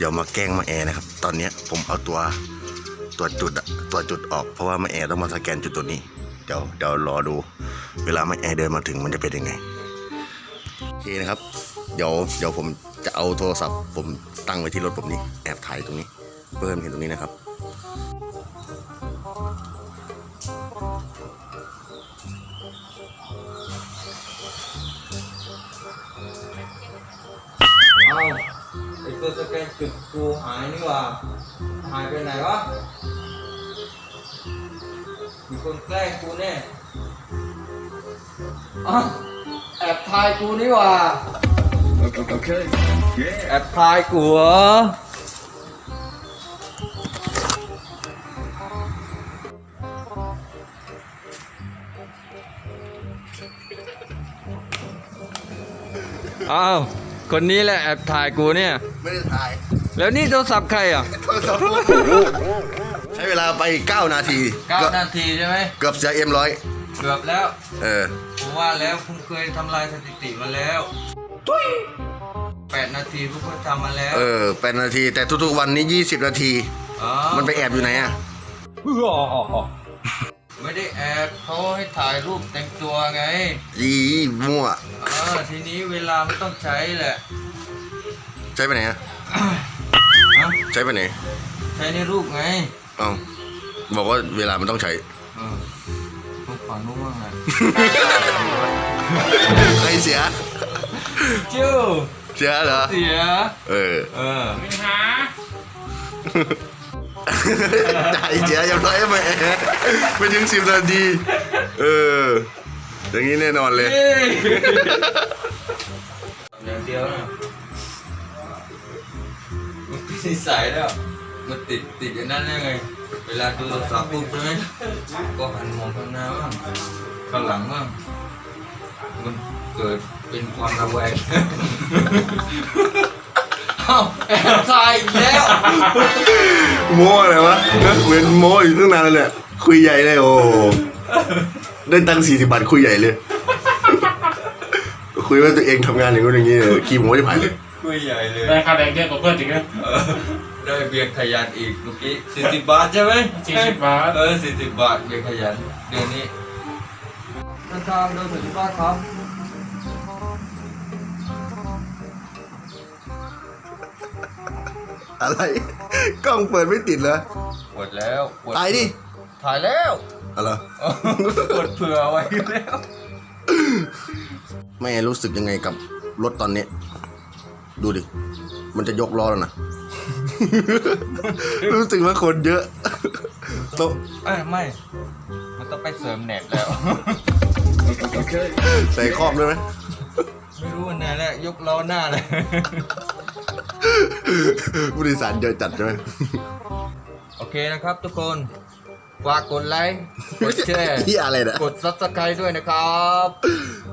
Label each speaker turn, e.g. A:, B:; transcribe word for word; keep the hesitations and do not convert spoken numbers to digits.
A: ดี๋ยวมาแกล้งมาแอร์นะครับตอนนี้ผมเอาตัวตัวจุดอะตัวจุดออกเพราะว่ามาแอร์ต้องมาสแกนจุดตัวนี้เดี๋ยวเดี๋ยวรอดูเวลามาแอร์เดินมาถึงมันจะเป็นยังไงโอเคนะครับเดี๋ยวเดี๋ยวผมจะเอาโทรศัพท์ผมตั้งไว้ที่รถผมนี่แอบถ่ายตรงนี้เพื่อนเห็นตรงนี้นะครับ
B: เอาไอตัวสแกนจุดกูหายนี่หว่าหายไปไหนวะมีคนแกล้งกูแน่อ่ะแอบถ่ายกูนี่หว่าแอบถ่ายกูเหรออ้าวคนนี้แหละแอบถ่ายกูเนี่ย
A: ไม่ได้ถ่าย
B: แล้วนี่โทรศัพท์ใครอ่ะ
A: ใช้เวลาไปเก้านาที
B: เก้านาทีใช่ไหม
A: เกือบจะเอ็มร้อย
B: เกือบแล้ว
A: เออ
B: ผมว่าแล้วคุณเคยทำลายสถิติมาแล้วแปดนาทีพวกคุณทำมาแล้ว
A: เออแปดนาทีแต่ทุกๆวันนี้ยี่สิบนาทีมันไปแอบอยู่ไหนอ่ะ
B: ไม่ได้แอบเขาให้ถ่ายรูปแต่งตัวไง
A: ยีมั่ว
B: เออทีนี้เวลาไม่ต้องใช้แหละ
A: ใช้ไปไหนอ่ะใช้ไปไหน
B: ใช้ในรูปไง
A: เอ้าบอกว่าเวลามันต้องใช้
B: เออพวกฝั่งนู้นว่าไง
A: ใครเสีย
B: จู้
A: เสียเหรอ
B: เสีย
A: เออ
B: เออ
C: ไม่หา
A: จ่ายเสียยังไงไม่ไม่ถึงสิบนาทีเอออย่างนี้แน่นอนเลย
B: อย่างเดียวนะมันติดนิสัยแล้วมันติดติดอย่างนั้นได้ไงเวลาดูโทรศัพท์ปุ๊บใช่ไหมก็หันมองข้างหน้าบ้างข้างหลังบ้างมันเกิดเป็นความระแวงเอ้าแอบถ่ายอีกแล้ว
A: โม้อะไรวะเหมือนโม้อยู่ตั้งนานเลยคุยใหญ่เลยโอ้ได้ตังค์สี่สิบบาทคุยใหญ่เลยคุยว่าตัวเองทำงานอย่างนู้นอย่างนี้ขี้โม้จะผ่านเลย
B: คุยใหญ่เลย
C: ได้ค่าแรงเยอะกว่าเพื่อนจริงนะ
B: ได้เบียร์ขยันอีกเมื่อกี้สี่สิบบาทใช่ไหม
C: สี่สิบบาท
B: เออสี่สิบบาทเบียร์ขยันเดือนนี้เดินทางเดินถึงบ้านครับ
A: อะไรกล้องเปิดไม่ติดเหรอ
B: ปวดแล้ว
A: ตายดิ
B: ถ่ายแล้ว
A: อะไร
B: ปวดเผื่อไว้แล้ว
A: แม่รู้สึกยังไงกับรถตอนนี้ดูดิมันจะยกล้อแล้วนะรู้สึกว่าคนเยอะโต๊ะ
B: เอ้ยไม่มันต้องไปเสริมเน็ตแล้ว
A: ใส่ครอบด้วยไหม
B: ไม่รู้วันไหนแหละยกล้อหน้าเลย
A: ผู้โดยสารเยอะจัดใช่ไหม
B: โอเคนะครับทุกคนฝากกดไลค์กดแชร์
A: ที่อะไรนะ
B: กดซับสไครต์ด้วยนะครับ